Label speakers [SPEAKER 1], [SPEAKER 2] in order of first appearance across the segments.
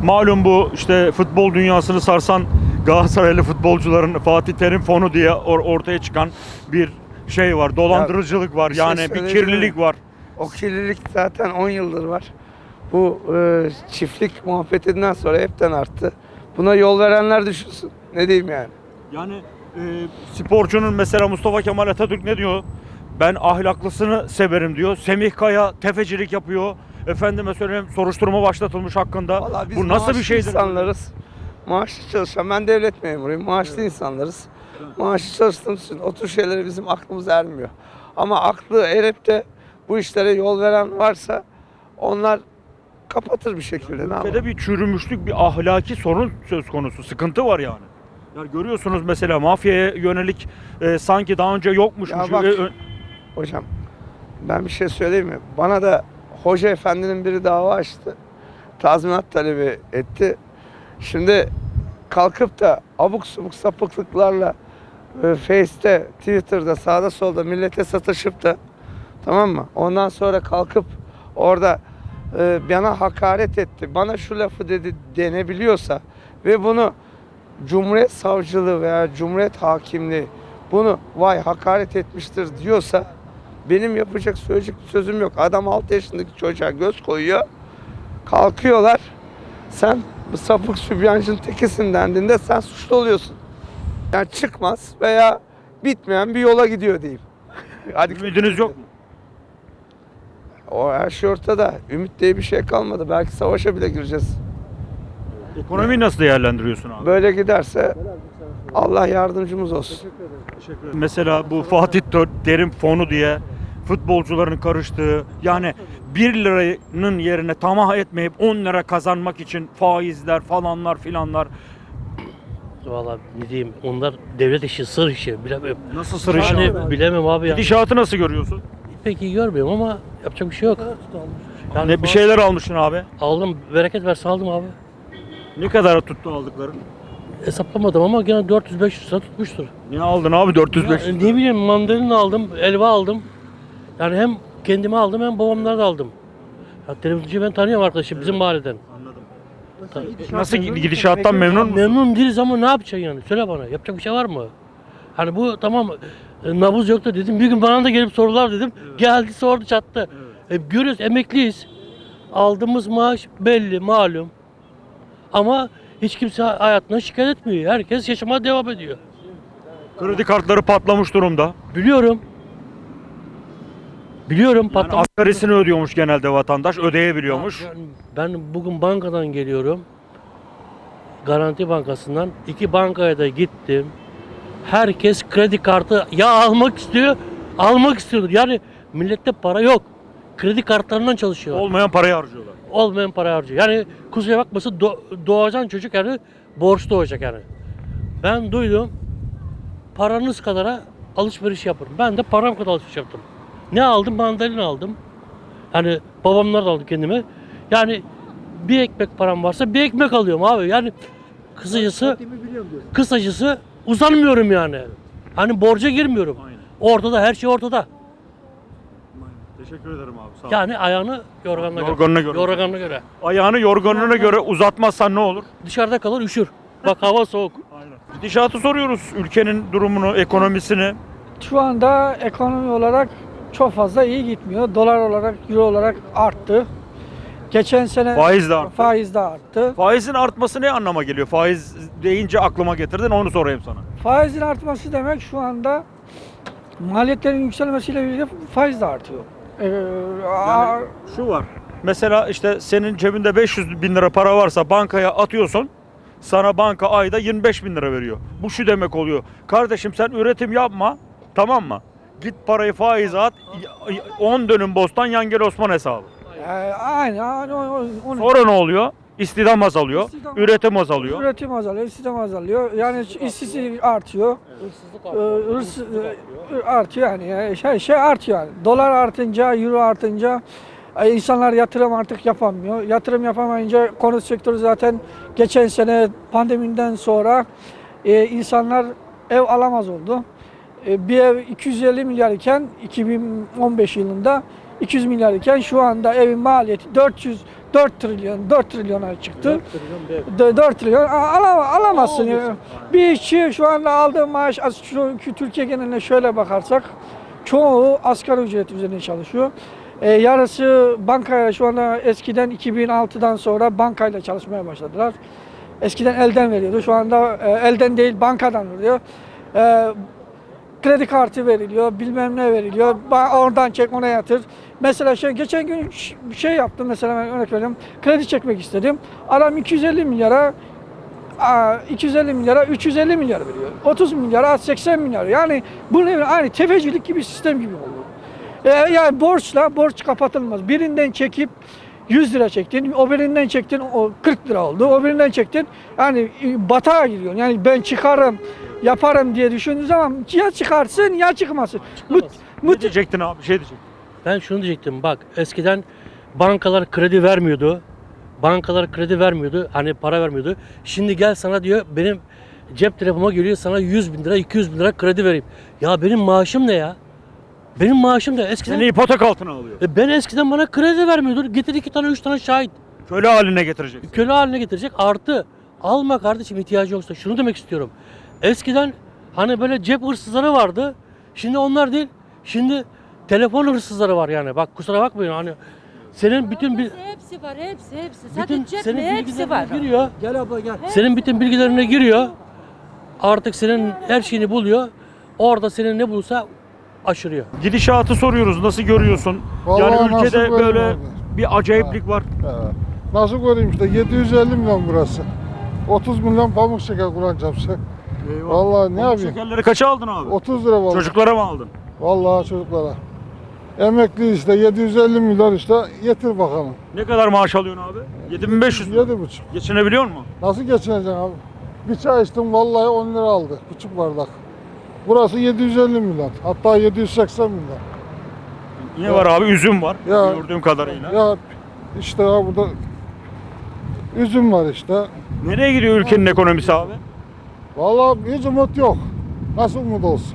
[SPEAKER 1] Malum bu işte futbol dünyasını sarsan Galatasaraylı futbolcuların Fatih Terim fonu diye ortaya çıkan bir şey var. Dolandırıcılık var.
[SPEAKER 2] bir şey
[SPEAKER 1] Yani bir
[SPEAKER 2] söyleyeyim
[SPEAKER 1] kirlilik
[SPEAKER 2] mi?
[SPEAKER 1] var.
[SPEAKER 2] O kirlilik zaten 10 yıldır var. Bu çiftlik muhabbetinden sonra hepten arttı. Buna yol verenler düşünsün. Ne diyeyim yani?
[SPEAKER 1] Yani sporcunun mesela Mustafa Kemal Atatürk ne diyor? Ben ahlaklısını severim diyor. Semih Kaya tefecilik yapıyor. Efendime söyleyeyim soruşturma başlatılmış hakkında.
[SPEAKER 2] Vallahi biz
[SPEAKER 1] Bu nasıl bir
[SPEAKER 2] maaşlı
[SPEAKER 1] şeydir?
[SPEAKER 2] insanlarız. Maaşlı çalışan, ben devlet memuruyum. Maaşlı insanlarız. Maaşlı çalıştığımız için o tür şeylere bizim aklımız ermiyor. Ama aklı erip de bu işlere yol veren varsa onlar kapatır bir şekilde. Ne yapalım?
[SPEAKER 1] Ülkede bir çürümüşlük, bir ahlaki sorun söz konusu. Sıkıntı var yani. Yani görüyorsunuz mesela mafyaya yönelik sanki daha önce yokmuş.
[SPEAKER 2] Ya bak, hocam ben bir şey söyleyeyim mi? Bana da hoca efendinin biri dava açtı. Tazminat talebi etti. Şimdi kalkıp da abuk subuk sapıklıklarla Face'te, Twitter'da, sağda solda millete sataşıp da, tamam mı? Ondan sonra kalkıp orada bana hakaret etti, bana şu lafı dedi denebiliyorsa ve bunu Cumhuriyet Savcılığı veya Cumhuriyet Hakimliği bunu vay hakaret etmiştir diyorsa benim yapacak söyleyecek sözüm yok. Adam 6 yaşındaki çocuğa göz koyuyor. Kalkıyorlar. Sen bu sapık sübyancının tekisin dendiğinde sen suçlu oluyorsun. Yani çıkmaz veya bitmeyen bir yola gidiyor diyeyim. Hadi.
[SPEAKER 1] Ümidiniz yok mu?
[SPEAKER 2] O her şey ortada. Ümit diye bir şey kalmadı. Belki savaşa bile gireceğiz.
[SPEAKER 1] Ekonomiyi nasıl değerlendiriyorsun abi?
[SPEAKER 2] Böyle giderse Allah yardımcımız olsun.
[SPEAKER 1] Mesela bu Fatih Terim fonu diye futbolcuların karıştığı yani 1 liranın yerine tamah etmeyip 10 lira kazanmak için faizler falanlar filanlar.
[SPEAKER 3] Vallahi ne diyeyim, onlar devlet işi, sır işi, bilemem.
[SPEAKER 1] Nasıl sır işi
[SPEAKER 3] Yani
[SPEAKER 1] abi?
[SPEAKER 3] bilemem abi ya.
[SPEAKER 1] Gidişatı nasıl görüyorsun?
[SPEAKER 3] Pek iyi görmüyorum ama yapacak bir şey yok. Yani
[SPEAKER 1] Ne bir şeyler almışsın abi.
[SPEAKER 3] aldım, bereket versin aldım abi.
[SPEAKER 1] Ne kadar tuttu aldıkların?
[SPEAKER 3] Hesaplamadım ama gene 400-500 lira tutmuştur.
[SPEAKER 1] Ne aldın abi 405?
[SPEAKER 3] Ya, ne bileyim, mandalina aldım, elva aldım. Yani hem kendime aldım hem babamlara da aldım. Ya, televizyoncu ben tanıyorum arkadaşım, bizim mahalleden.
[SPEAKER 1] Nasıl gidişattan memnun musun?
[SPEAKER 3] Memnun değiliz ama ne yapacaksın yani? Söyle bana, yapacak bir şey var mı? Hani bu tamam, nabız yok da dedim. Bir gün bana da gelip sorular dedim. Geldi sordu çattı. Görüyoruz, emekliyiz. Aldığımız maaş belli, malum. Ama hiç kimse hayatına şikayet etmiyor. Herkes yaşamaya devam ediyor.
[SPEAKER 1] Kredi kartları patlamış durumda.
[SPEAKER 3] Biliyorum. Biliyorum,
[SPEAKER 1] Yani
[SPEAKER 3] patlamış.
[SPEAKER 1] asgarisini ödüyormuş genelde vatandaş, ödeyebiliyormuş.
[SPEAKER 3] Ben bugün bankadan geliyorum. Garanti Bankası'ndan 2 bankaya da gittim. Herkes kredi kartı ya almak istiyor, almak istiyordur. Yani millette para yok. Kredi kartlarından çalışıyor.
[SPEAKER 1] Olmayan parayı harcıyorlar.
[SPEAKER 3] Olmayan para harcıyor. Yani kusura bakmasın, doğacan çocuk yani borç doğacak yani. Ben duydum, paranız kadara alışveriş yapın. Ben de param kadar alışveriş yaptım. Ne aldım? Mandalina aldım. Hani babamlar da aldı kendime. Yani bir ekmek param varsa bir ekmek alıyorum abi. Yani kısacası uzanmıyorum yani. Hani borca girmiyorum.
[SPEAKER 1] Aynen.
[SPEAKER 3] Ortada, her şey ortada.
[SPEAKER 1] Teşekkür ederim abi. Sağ ol.
[SPEAKER 3] Yani ayağını yorganına
[SPEAKER 1] Yorganına göre.
[SPEAKER 3] Yorganına göre.
[SPEAKER 1] Ayağını yorganına göre uzatmazsan ne olur?
[SPEAKER 3] Dışarıda kalır, üşür. Bak hava soğuk.
[SPEAKER 1] Aynen. Gidişatı soruyoruz. Ülkenin durumunu, ekonomisini.
[SPEAKER 4] Şu anda ekonomi olarak çok fazla iyi gitmiyor. Dolar olarak, euro olarak arttı. Geçen sene
[SPEAKER 1] Faiz de arttı.
[SPEAKER 4] faiz de arttı.
[SPEAKER 1] Faizin artması ne anlama geliyor? Faiz deyince aklıma getirdin, onu sorayım sana.
[SPEAKER 4] Faizin artması demek şu anda maliyetlerin yükselmesiyle birlikte faiz de artıyor.
[SPEAKER 1] Şu var. Mesela işte senin cebinde 500 bin lira para varsa bankaya atıyorsun. Sana banka ayda 25 bin lira veriyor. Bu şu demek oluyor. Kardeşim sen üretim yapma. Tamam mı? Git parayı faize at. 10 dönüm bostan yan gel Osman hesabı.
[SPEAKER 4] Aynen. Onu
[SPEAKER 1] Sonra ne oluyor? İstihdam azalıyor.
[SPEAKER 4] İstihdam-
[SPEAKER 1] Üretim azalıyor.
[SPEAKER 4] üretim azalıyor, istihdam azalıyor. Yani işsizlik artıyor. Hırsızlık artıyor yani. Şey artıyor yani. Dolar artınca, euro artınca insanlar yatırım artık yapamıyor. Yatırım yapamayınca konut sektörü zaten geçen sene pandemiden sonra insanlar ev alamaz oldu. Bir ev 250 milyar iken 2015 yılında 200 milyar iken şu anda evin maliyeti 4 trilyona çıktı. 4 trilyon alamazsın. Ya. Bir işçi şu anda aldığı maaş şu Türkiye geneline şöyle bakarsak çoğu asgari ücret üzerine çalışıyor. Yarısı bankaya şu anda eskiden 2006'dan sonra bankayla çalışmaya başladılar. Eskiden elden veriyordu. Şu anda elden değil bankadan veriyor. Kredi kartı veriliyor, bilmem ne veriliyor. Oradan çek, ona yatır. Mesela geçen gün bir şey yaptım. Mesela ben örnek veriyorum. Kredi çekmek istedim. Adam 250 milyara 350 milyar veriyor. 30 milyara 80 milyar. Yani bu ne? Aynı tefecilik gibi sistem gibi oldu. Yani borç kapatılmaz. Birinden çekip 100 lira çektin, o birinden çektin, o 40 lira oldu, o birinden çektin. Yani batağa giriyorsun. Yani ben çıkarım, yaparım diye düşündüğün zaman ya çıkarsın ya çıkmasın.
[SPEAKER 1] Ne diyecektin abi? Şey diyecektin.
[SPEAKER 3] Ben şunu diyecektim, bak eskiden bankalar kredi vermiyordu. Hani para vermiyordu. Şimdi gel sana diyor, benim cep telefonuma geliyor, sana 100 bin lira 200 bin lira kredi vereyim. Ya benim maaşım ne ya? Benim maaşım da eskiden...
[SPEAKER 1] Seni ipotek altına alıyor.
[SPEAKER 3] Ben eskiden bana kredi vermiyordu. Getir 2 tane 3 tane şahit.
[SPEAKER 1] Köle haline getireceksin.
[SPEAKER 3] Köle haline getirecek. Artı alma kardeşim, ihtiyacı yoksa. Şunu demek istiyorum. Eskiden hani böyle cep hırsızları vardı. Şimdi onlar değil. Şimdi telefon hırsızları var yani. Bak kusura bakmayın hani senin bütün
[SPEAKER 5] Hepsi var, hepsi.
[SPEAKER 3] bütün
[SPEAKER 5] Sadece
[SPEAKER 3] senin
[SPEAKER 5] hepsi var.
[SPEAKER 3] bilgilerine giriyor.
[SPEAKER 4] Gel abla gel.
[SPEAKER 3] Senin bütün bilgilerine giriyor. Artık senin her şeyini buluyor. Orada senin ne bulsa aşırıyor.
[SPEAKER 1] Gidişatı soruyoruz. Nasıl görüyorsun?
[SPEAKER 6] Vallahi
[SPEAKER 1] Yani
[SPEAKER 6] nasıl
[SPEAKER 1] ülkede
[SPEAKER 6] görüyorum
[SPEAKER 1] böyle
[SPEAKER 6] abi?
[SPEAKER 1] bir acayiplik var.
[SPEAKER 6] Nasıl göreyim işte 750 milyon burası. 30 milyon pamuk şeker kullanacağım sen. Vallahi ne
[SPEAKER 1] Pamuk
[SPEAKER 6] yapayım?
[SPEAKER 1] şekerleri kaça aldın abi?
[SPEAKER 6] 30 lira vallahi.
[SPEAKER 1] Çocuklara mı aldın?
[SPEAKER 6] Vallahi çocuklara. Emekli işte 750 milyon işte getir bakalım.
[SPEAKER 1] Ne kadar maaş alıyorsun abi? 7500 lira.
[SPEAKER 6] 7,5.
[SPEAKER 1] Geçinebiliyor musun?
[SPEAKER 6] Nasıl geçineceksin abi? Bir çay içtim vallahi 10 lira aldı. Küçük bardak. Burası 750 milyon. Hatta 780 milyon.
[SPEAKER 1] Ne var abi? Üzüm var.
[SPEAKER 6] Ya.
[SPEAKER 1] Gördüğüm kadarıyla.
[SPEAKER 6] Ya işte ya burada üzüm var işte.
[SPEAKER 1] Nereye gidiyor ülkenin ekonomisi abi?
[SPEAKER 6] Vallahi hiç umut yok. Nasıl umut olsun?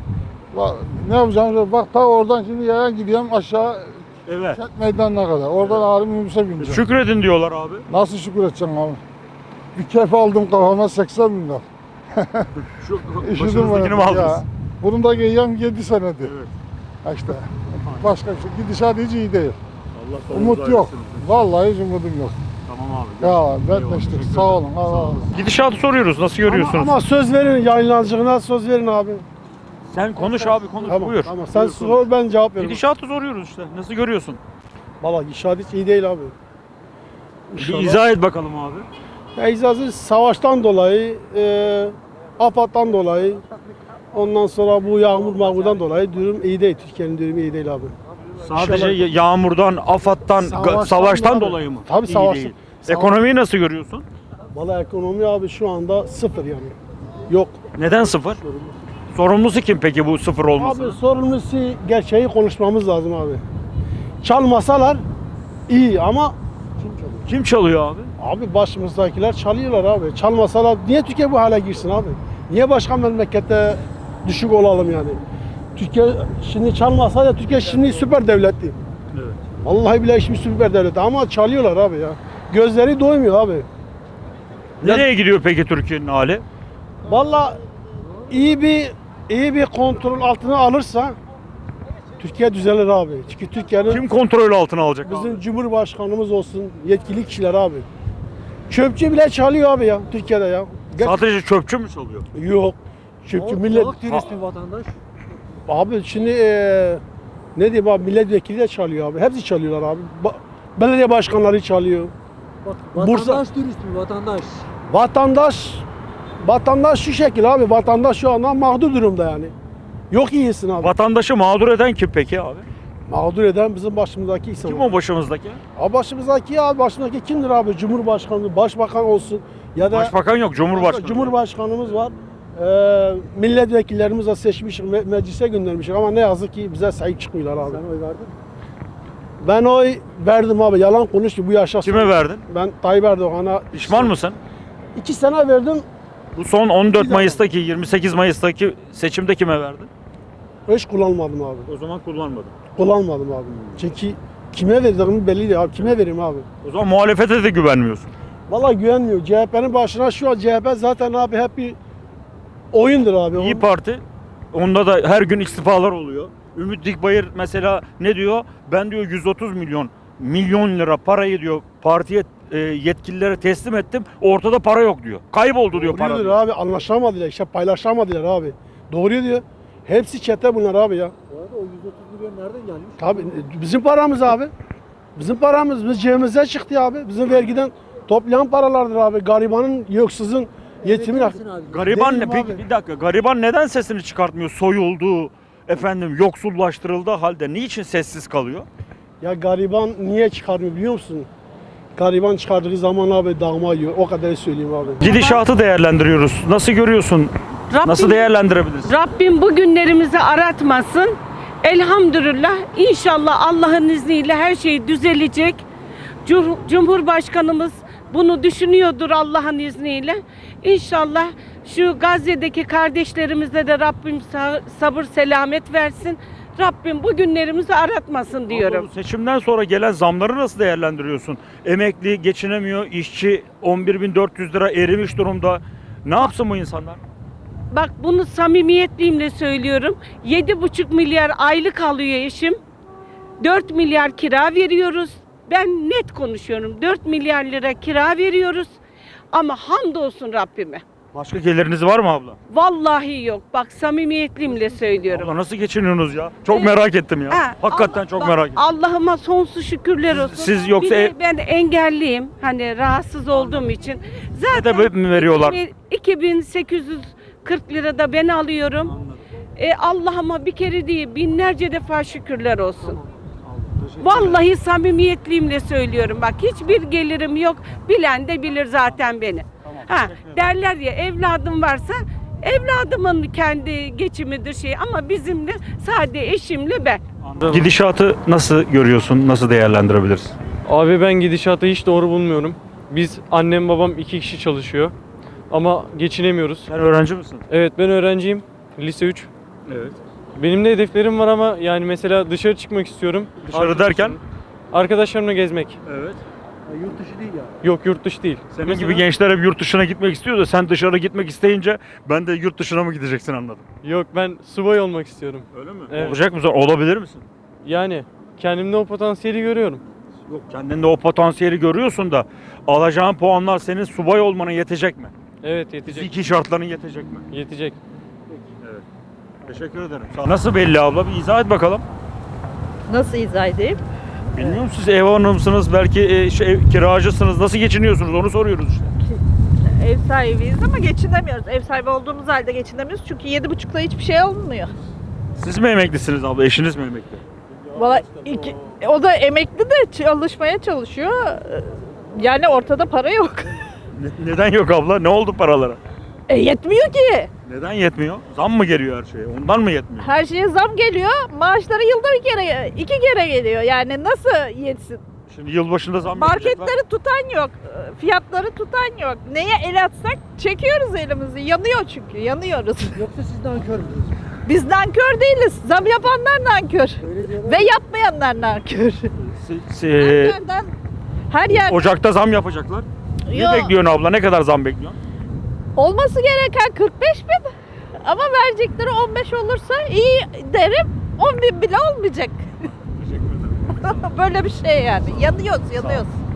[SPEAKER 6] Ne yapacağım? Bak ta oradan şimdi yayan gidiyorum aşağı
[SPEAKER 1] Evet.
[SPEAKER 6] kent meydanına kadar. Oradan ağrım minibüse bineceğim.
[SPEAKER 1] Şükredin diyorlar abi.
[SPEAKER 6] Nasıl şükür edeceğim abi? Bir kef aldım kafama 80 milyon.
[SPEAKER 1] Şu
[SPEAKER 6] İşidim
[SPEAKER 1] başınızdakini mi
[SPEAKER 6] ya.
[SPEAKER 1] aldınız?
[SPEAKER 6] Bunu da giyiyorum 7 senedir.
[SPEAKER 1] Evet.
[SPEAKER 6] Ha işte. Başka bir şey. Gidişat hiç iyi değil.
[SPEAKER 1] Allah sonumuzu
[SPEAKER 6] Umut yok.
[SPEAKER 1] hayretsin.
[SPEAKER 6] Vallahi hiç umudum yok.
[SPEAKER 1] Tamam abi.
[SPEAKER 6] Ya ben
[SPEAKER 1] Eyvallah,
[SPEAKER 6] de işte
[SPEAKER 1] teşekkür
[SPEAKER 6] sağ
[SPEAKER 1] ederim.
[SPEAKER 6] olun. Allah Allah.
[SPEAKER 1] Gidişatı soruyoruz. Nasıl görüyorsunuz?
[SPEAKER 7] Ama söz verin yayınlanacağına söz verin abi.
[SPEAKER 1] Sen konuş abi konuş.
[SPEAKER 7] Tamam
[SPEAKER 1] Buyur.
[SPEAKER 7] tamam sen
[SPEAKER 1] Buyur, konuş.
[SPEAKER 7] sor ben cevap veririm.
[SPEAKER 1] Gidişatı soruyoruz işte. Nasıl görüyorsun?
[SPEAKER 7] Valla gidişat hiç iyi değil abi.
[SPEAKER 1] Bir izah et bakalım abi.
[SPEAKER 7] Eczacı savaştan dolayı, AFAD'dan dolayı, ondan sonra bu mağmurdan dolayı durum iyi değil. Türkiye'nin durumu iyi değil abi.
[SPEAKER 1] Sadece
[SPEAKER 7] İnşallah-
[SPEAKER 1] yağmurdan, AFAD'dan, savaştan
[SPEAKER 7] abi.
[SPEAKER 1] dolayı mı?
[SPEAKER 7] Tabii
[SPEAKER 1] İyi
[SPEAKER 7] savaş-
[SPEAKER 1] değil.
[SPEAKER 7] savaş-
[SPEAKER 1] Ekonomiyi nasıl görüyorsun?
[SPEAKER 7] Valla ekonomi abi şu anda sıfır yani. Yok.
[SPEAKER 1] Neden sıfır? Sorumlusu kim peki bu sıfır olmasının?
[SPEAKER 7] Abi sorumlusu gerçeği konuşmamız lazım abi. Çalmasalar iyi ama
[SPEAKER 1] Kim çalıyor abi?
[SPEAKER 7] abi başımızdakiler çalıyorlar abi. Çalmasalar niye Türkiye bu hale girsin abi? Niye başka memlekette düşük olalım yani? Türkiye şimdi çalmasa da Türkiye şimdi süper devletti.
[SPEAKER 1] Evet.
[SPEAKER 7] Vallahi bile şimdi süper devlet ama çalıyorlar abi ya. Gözleri doymuyor abi.
[SPEAKER 1] Nereye gidiyor peki Türkiye'nin hali?
[SPEAKER 7] Vallahi iyi bir kontrol altına alırsa Türkiye düzelir abi. Çünkü Türkiye'nin
[SPEAKER 1] Kim kontrol altına alacak
[SPEAKER 7] bizim
[SPEAKER 1] abi?
[SPEAKER 7] Cumhurbaşkanımız olsun, yetkili kişiler abi. Çöpçü bile çalıyor abi ya Türkiye'de ya.
[SPEAKER 1] Sadece çöpçü mü çalıyor?
[SPEAKER 7] Yok. Çöpçü millet...
[SPEAKER 4] vatandaş.
[SPEAKER 7] Abi şimdi ne diyeyim abi milletvekili de çalıyor abi. Hepsi çalıyorlar abi. Belediye başkanları çalıyor.
[SPEAKER 4] Vatandaş dürüst mü vatandaş?
[SPEAKER 7] Vatandaş şu şekil abi. Vatandaş şu anda mağdur durumda yani. Yok iyisin abi.
[SPEAKER 1] Vatandaşı mağdur eden kim peki abi?
[SPEAKER 7] Mağdur eden bizim başımızdaki insan.
[SPEAKER 1] Kim o başımızdaki?
[SPEAKER 7] Abi başımızdaki kimdir abi? Cumhurbaşkanı, başbakan olsun ya da
[SPEAKER 1] Başbakan yok, Cumhurbaşkanı.
[SPEAKER 7] Cumhurbaşkanımız var. Milletvekillerimiz de seçmiş, meclise göndermiş ama ne yazık ki bize sahip çıkmıyorlar abi. Sen oy verdin? Ben oy verdim abi. Yalan konuştu bu yaşa.
[SPEAKER 1] Kime verdin?
[SPEAKER 7] Ben Tayyip Erdoğan'a
[SPEAKER 1] Pişman mısın?
[SPEAKER 7] 2 sene verdim.
[SPEAKER 1] Bu son 14
[SPEAKER 7] Bir
[SPEAKER 1] Mayıs'taki, 28 Mayıs'taki seçimde kime verdin?
[SPEAKER 7] Hiç kullanmadım abi.
[SPEAKER 1] O zaman kullanmadın.
[SPEAKER 7] Kullanmadım abi. Çünkü Kime verdiğimi belli değil abi. Kime vereyim abi?
[SPEAKER 1] O zaman muhalefete de güvenmiyorsun.
[SPEAKER 7] Vallahi güvenmiyor. CHP'nin başına şu an CHP zaten abi hep bir oyundur abi.
[SPEAKER 1] İyi Parti, onda da her gün istifalar oluyor. Ümit Dikbayır mesela ne diyor? Ben diyor 130 milyon lira parayı diyor partiye yetkililere teslim ettim. Ortada para yok diyor. Kayboldu diyor para.
[SPEAKER 7] Doğrudur
[SPEAKER 1] diyor.
[SPEAKER 7] abi, anlaşamadılar, işte paylaşamadılar abi. Doğru diyor. Hepsi çete bunlar abi ya.
[SPEAKER 5] Bu arada o 130 milyon nereden gelmiş?
[SPEAKER 7] Tabii bizim paramız abi. Bizim paramız, biz cebimize çıktı abi. Bizim vergiden toplayan paralardır abi. Garibanın, yoksuzun, yetimin.
[SPEAKER 5] Misin abi?
[SPEAKER 1] Gariban ne?
[SPEAKER 7] Değilim
[SPEAKER 1] Peki
[SPEAKER 7] abi.
[SPEAKER 1] bir dakika. Gariban neden sesini çıkartmıyor? Soyuldu, efendim yoksullaştırıldığı halde niçin sessiz kalıyor?
[SPEAKER 7] Ya gariban niye çıkarmıyor biliyor musun? Gariban çıkardığı zaman abi dağma yiyor. O kadar söyleyeyim abi.
[SPEAKER 1] Gidişatı değerlendiriyoruz. Nasıl görüyorsun? Nasıl değerlendirebiliriz?
[SPEAKER 8] Rabbim bu günlerimizi aratmasın. Elhamdülillah inşallah Allah'ın izniyle her şey düzelecek. Cumhurbaşkanımız bunu düşünüyordur Allah'ın izniyle. İnşallah şu Gazze'deki kardeşlerimize de Rabbim sabır selamet versin. Rabbim bu günlerimizi aratmasın diyorum.
[SPEAKER 1] Bu seçimden sonra gelen zamları nasıl değerlendiriyorsun? Emekli geçinemiyor, işçi 11.400 lira erimiş durumda. Ne yapsın bu insanlar?
[SPEAKER 8] Bak bunu samimiyetliyimle söylüyorum. 7,5 milyar aylık alıyor eşim. 4 milyar kira veriyoruz. Ben net konuşuyorum. 4 milyar lira kira veriyoruz. Ama hamdolsun Rabbime.
[SPEAKER 1] Başka geliriniz var mı abla?
[SPEAKER 8] Vallahi yok. Bak samimiyetliyimle söylüyorum.
[SPEAKER 1] Abla nasıl geçiniyorsunuz ya? Çok merak ettim ya.
[SPEAKER 8] Ha,
[SPEAKER 1] Hakikaten
[SPEAKER 8] Allah-
[SPEAKER 1] çok
[SPEAKER 8] bak,
[SPEAKER 1] merak ettim.
[SPEAKER 8] Allah'ıma sonsuz şükürler olsun.
[SPEAKER 1] siz yoksa
[SPEAKER 8] Bir de
[SPEAKER 1] ev-
[SPEAKER 8] ben engelliyim. Hani rahatsız olduğum için.
[SPEAKER 1] Ne de mi veriyorlar?
[SPEAKER 8] 2840 lira da ben alıyorum. Allah'ıma bir kere değil binlerce defa şükürler olsun. Vallahi samimiyetliyimle söylüyorum. Bak hiçbir gelirim yok. Bilen de bilir zaten beni. Derler ya evladım varsa evladımın kendi geçimidir şey ama bizimle sadece eşimle ben.
[SPEAKER 1] Gidişatı nasıl görüyorsun? Nasıl değerlendirebiliriz?
[SPEAKER 9] Abi ben gidişatı hiç doğru bulmuyorum. Biz annem babam 2 kişi çalışıyor. Ama geçinemiyoruz.
[SPEAKER 1] Sen öğrenci misin?
[SPEAKER 9] Evet ben öğrenciyim. Lise 3.
[SPEAKER 1] Evet.
[SPEAKER 9] Benim de hedeflerim var ama yani mesela dışarı çıkmak istiyorum.
[SPEAKER 1] Dışarı derken?
[SPEAKER 9] Arkadaşlarımla gezmek.
[SPEAKER 1] Evet.
[SPEAKER 5] Yurt dışı değil ya.
[SPEAKER 9] Yok yurt dışı değil.
[SPEAKER 1] Senin
[SPEAKER 9] Mesela-
[SPEAKER 1] gibi gençler hep yurt dışına gitmek istiyor da sen dışarı gitmek isteyince ben de yurt dışına mı gideceksin anladım.
[SPEAKER 9] Yok ben subay olmak istiyorum.
[SPEAKER 1] Öyle mi?
[SPEAKER 9] Evet.
[SPEAKER 1] Olacak mısın? Olabilir misin?
[SPEAKER 9] Yani kendimde o potansiyeli görüyorum.
[SPEAKER 1] Yok kendinde o potansiyeli görüyorsun da alacağın puanlar senin subay olmana yetecek mi?
[SPEAKER 9] Evet yetecek.
[SPEAKER 1] Fiziki şartların yetecek mi?
[SPEAKER 9] Yetecek.
[SPEAKER 1] Teşekkür ederim. Nasıl belli abla? Bir izah et bakalım.
[SPEAKER 10] Nasıl izah edeyim?
[SPEAKER 1] Bilmiyorum siz ev hanımsınız, belki kiracısınız. Nasıl geçiniyorsunuz onu soruyoruz işte.
[SPEAKER 10] Ev sahibiyiz ama geçinemiyoruz. Ev sahibi olduğumuz halde geçinemiyoruz çünkü 7,5'la hiçbir şey olmuyor.
[SPEAKER 1] Siz mi emeklisiniz abla? Eşiniz mi emekli?
[SPEAKER 10] Valla o da emekli de çalışmaya çalışıyor. Yani ortada para yok.
[SPEAKER 1] Neden yok abla? Ne oldu paralara?
[SPEAKER 10] Yetmiyor ki.
[SPEAKER 1] Neden yetmiyor? Zam mı geliyor her şeye? Ondan mı yetmiyor?
[SPEAKER 10] Her şeye zam geliyor. Maaşları yılda iki kere geliyor. Yani nasıl yetsin?
[SPEAKER 1] Şimdi yılbaşında zam yapacaklar.
[SPEAKER 10] Marketleri tutan yok. Fiyatları tutan yok. Neye el atsak çekiyoruz elimizi. Yanıyor çünkü. Yanıyoruz.
[SPEAKER 5] Yoksa siz nankör müsünüz?
[SPEAKER 10] Biz nankör değiliz. Zam yapanlar nankör. Ve yapmayanlar nankör. Nankörden her yer
[SPEAKER 1] Ocak'ta zam yapacaklar. Ne
[SPEAKER 10] Yok.
[SPEAKER 1] bekliyorsun abla? Ne kadar zam bekliyorsun?
[SPEAKER 10] olması gereken 45 bin. Ama verecekleri 15 olursa iyi derim. 10 bin bile olmayacak. Böyle bir şey yani. Yanıyoruz.